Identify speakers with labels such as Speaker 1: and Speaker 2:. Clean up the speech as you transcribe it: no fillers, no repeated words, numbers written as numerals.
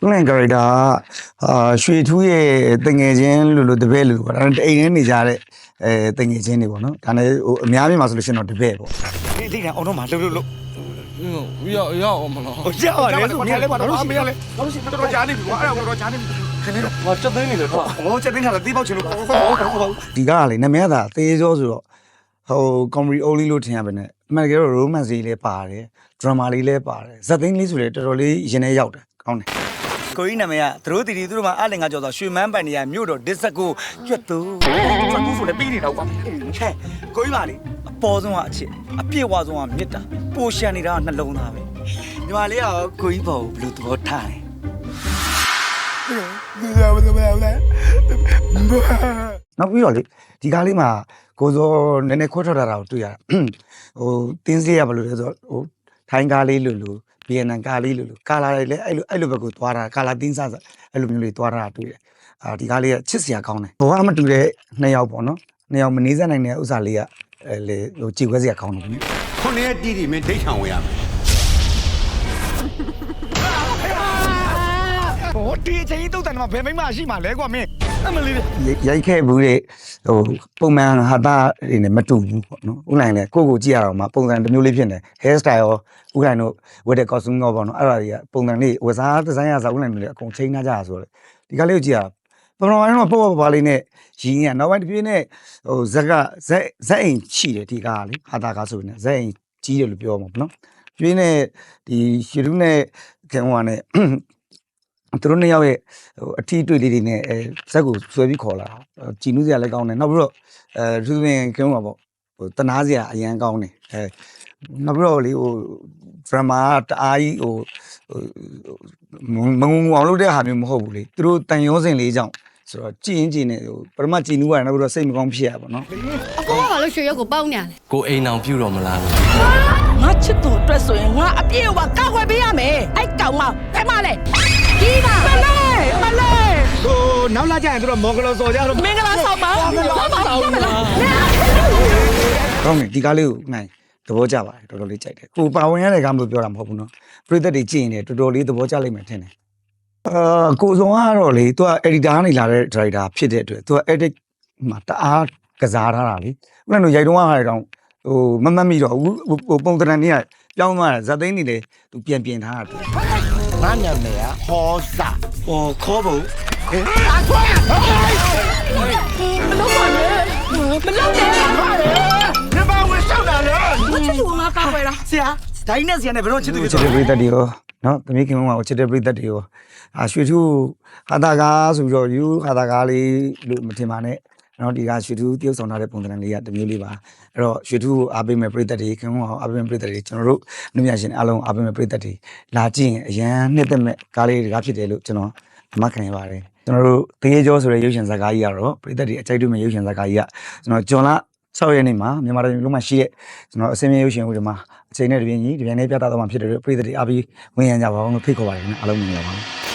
Speaker 1: ငယ်ကြတာရွှေထူးရဲ့တငယ်ချင်းလို့တပည့်လို့ပေါ့ဒါအိမ်ထဲနေကြတဲ့တငယ်ချင်းတွေပေါ့နော်ဒါနဲ့ဟိုအများကြီးမှာဆိုလို့ရှိရင်တော့တပည့်ပေါ့ဒီကအောင်တော့မှာလှုပ်
Speaker 2: 要我们了。
Speaker 1: ဟိုရပါတယ်ဆိုမြင်လဲပါတော့မရလဲတော့ရှိတော်ကြားနေပြီကွာအဲ့ဒါတော့ကြားနေပြီခင်းနေတော့
Speaker 2: 我这等你了，是吧？
Speaker 1: ဟိုချက်သိန်းကလည်းတီးပေါက်ချင်လို့ဒီကလေနမရတာသေကြောဆိုတော့ဟိုကွန်မရီအိုလီလို့ထင်ရပါနဲ့အမှန်တကယ်တော့ romance လေးလည်းပါတယ် drama လေးလည်းပါတယ်ဇက်သိန်းလေးဆိုလည်းတော်တော်လေးရင်ထဲရောက်တယ်ကောင်းတယ်ကိုကြီးနာမည်ကသူတို့တီတီသူတို့မှာအလင်ကကြော်ဆိုရွှေမန်းပန်နေရမြို့တော်ဒစ်စကိုကျွတ်သူဆိုလည်းပြီးနေတော့ကွာဟဲ့ကိုကြီးပါလေအပေါ်ဆုံးကအချစ်အပြည့်ဝဆုံးကမြစ်တာပိုရှန်နေတာကနှလုံးသားပဲညီမလေးကကိုကြီးပေါ်ဘယ်လိုသဘောထားလဲနောက်ပြီးတော့လေဒီကားလေးမှာကိုစောနည်းနည်းခွဲထွက်လာတာကိုတွေ့ရတာဟိုတင်းစေးရဘယ်လိုလဲဆိုတော့ဟိုထိုင်းကားလေးလို့ဗီယက်နမ်ကားလေးလို့ကာလာလေးလည်းအဲ့လိုဘက်ကိုသွားတာကာလာတင်းစားအဲ့လိုမျိုးလေးသွားတာတွေ့တယ်ဒီကားလေးကချစ်စရာကောင်းတယ်ဘောကမတူတဲ့နှစ်ယောက်ပေါ့နော်နှစ်ယောက်မနေစက်နိုင်တဲ့ဥစ္စာလေးကလေဟိုကြည်ခွဲစရာကောင်းတယ်ဗျ
Speaker 3: ခုနှစ်ရက်တီးတီမင်းဒိတ်ထောင်ဝင်ရမယ်
Speaker 1: ဟိုဒီအချိန်တုတ်တယ်မှာဘယ်မိမရှိမှလဲကွာမင်းအမလေးရိုက်ခဲ့ဘူးတဲ့ဟိုပုံမှန်ဟာတာတွေနဲ့မတူဘူးပေါ့နော်ဥလိုင်းလည်းကိုကြည့်ရတော့မှပုံစံတစ်မျိုးလေးဖြစ်နေ hair style ရောဥလိုင်းတို့ဝတ်တဲ့ costume ရောပေါ့နော်အဲ့ဒါတွေကပုံစံလေးဝစားဒီဇိုင်းရစားဥလိုင်းတွေလည်းအကုန်ချိန်ထားကြတာဆိုတော့ဒီကလေးကိုကြည့်ရပထမပိုင်းတော့ပေါ့ပါလေးနဲ့ရင်းရနောက်ပိုင်းတစ်ပြေးနဲ့ဟိုဇက်အိမ်ချိတယ်ဒီကားလေဟာတာကားဆိုနေဇက်အိမ်ကြီးတယ်လို့ပြောမှာပေါ့နော်ပြေးနဲ့ဒီရှီရုနဲ့ခင်ဟိုနဲ့သူတို့နှစ်ယောက်ရဲ့ဟိုအထီးတွေ့လေးတွေနဲ့ဇက်ကိုဆွဲပြီးခေါ်လာကြည်နူးစရာလည်းကောင်းတယ်နောက်ပြီးတော့သူသဖြင့်ကင်းမှာပေါ့ဟိုတနာစရာအရန်ကောင်းတယ်နောက်ပြီးတော့လေဟိုဒရမာတအားကြီးဟိုမငုံအောင်လုပ်တဲ့ဟာမျိုးမဟုတ်ဘူးလေသူတို့တန်ရုံးစင်လေးကြောင့်ဆိုတော့ကြည်ရင်ကြည်နေဟိုပထမကြည်နူးရတယ်နောက်ပြီးတော့စိတ်မကောင်းဖြစ်ရပါတော့
Speaker 4: အကောကဘာလို့ရွှေရုပ်ကိုပေါင်းနေရလဲ
Speaker 2: ကိုအိမ်အောင်ပြုတော်မလား
Speaker 5: ငါချစ်သူအတွက်ဆိုရင်ငါအပြည့်အဝကောက်ွယ်ပေးရမယ်အဲ့ကောင်မဘယ်မှလဲဒီမှာမလဲဟို
Speaker 1: နောက်လာကြရင်သူတို့မော်ဂလောစော်ကြတော့
Speaker 5: မင်္ဂလာဆောင်ပါကောင်း
Speaker 1: တယ်ဒီကားလေးကိုနိုင်သဘောကျပါတယ်တော်တော်လေးကြိုက်တယ်ကိုပါဝင်ရတဲ့ကားမလို့ပြောတာမဟုတ်ဘူးနော်ပရိသတ်တွေကြည့်ရင်လည်းတော်တော်လေးသဘောကျလိမ့်မယ်ထင်တယ်ကိုစုံကတော့လေသူက editor ကနေလာတဲ့ director ဖြစ်တဲ့အတွက်သူက edit မှာတအားကစားထားတာလေဥပမာရိုက်တုံးကဟာတောင်ဟိုမမတ်မိတော့ဟိုပုံတရံနေကပြောင်းသွားတယ်ဇက်သိန်းနေလေသူပြင်ထားတာငါနာမည်ကဟောစာဟောခေါ်ဖို့
Speaker 5: မလုပ်ပါနဲ့မလုပ်နဲ့
Speaker 1: ညမဝင်ရှောက်တာလေ
Speaker 5: ချစ်သူငါကောက်ွယ်လား
Speaker 1: ဆရာဒိုင်းနဲ့ဆရာနဲ့ဘယ်တော့ချစ်သူချစ်တဲ့ပရိသတ်တွေရောနော်သမီးခင်မကချစ်တဲ့ပရိသတ်တွေရောရွှေထူးဟာတာကားဆိုပြီးတော့ယူဟာတာကားလေးလို့မထင်ပါနဲ့နော်ဒီကရွှေထူးတရုပ်ဆောင်ထားတဲ့ပုံစံလေးကတစ်မျိုးလေးပါအဲ့တော့ရွှေထူးကိုအားပေးမဲ့ပရိသတ်တွေခင်ဗျာအားပေးမဲ့ပရိသတ်တွေကျွန်တော်တို့လူမြရှင်အားလုံးအားပေးမဲ့ပရိသတ်တွေလာကြည့်ရင်အရန်နှစ်သက်မဲ့ကားလေးတွေကဖြစ်တယ်လို့ကျွန်တော်အမှတ်ခံရပါတယ်ကျွန်တော်တို့တရေကျော်ဆိုတဲ့ရုပ်ရှင်ဇာတ်ကားကြီးကတော့ပရိသတ်တွေအကြိုက်တွေ့မဲ့ရုပ်ရှင်ဇာတ်ကားကြီးကကျွန်တော်ဂျွန်လ6ရက်နေ့မှာမြန်မာတိုင်းလုံးမှာရှိတဲ့ကျွန်တော်အစင်းမြေရုပ်ရှင်ဦးတွေမှာအချိန်နဲ့တပြင်းကြီးတပြင်းနဲ့ပြသတော့မှဖြစ်တယ်လို့ပရိသတ်တွေအားပြီးဝင်ရကြပါအောင်လို့ဖိတ်ခေါ်ပါတယ်ခင်ဗျာအားလုံးမြင်ကြပါဦး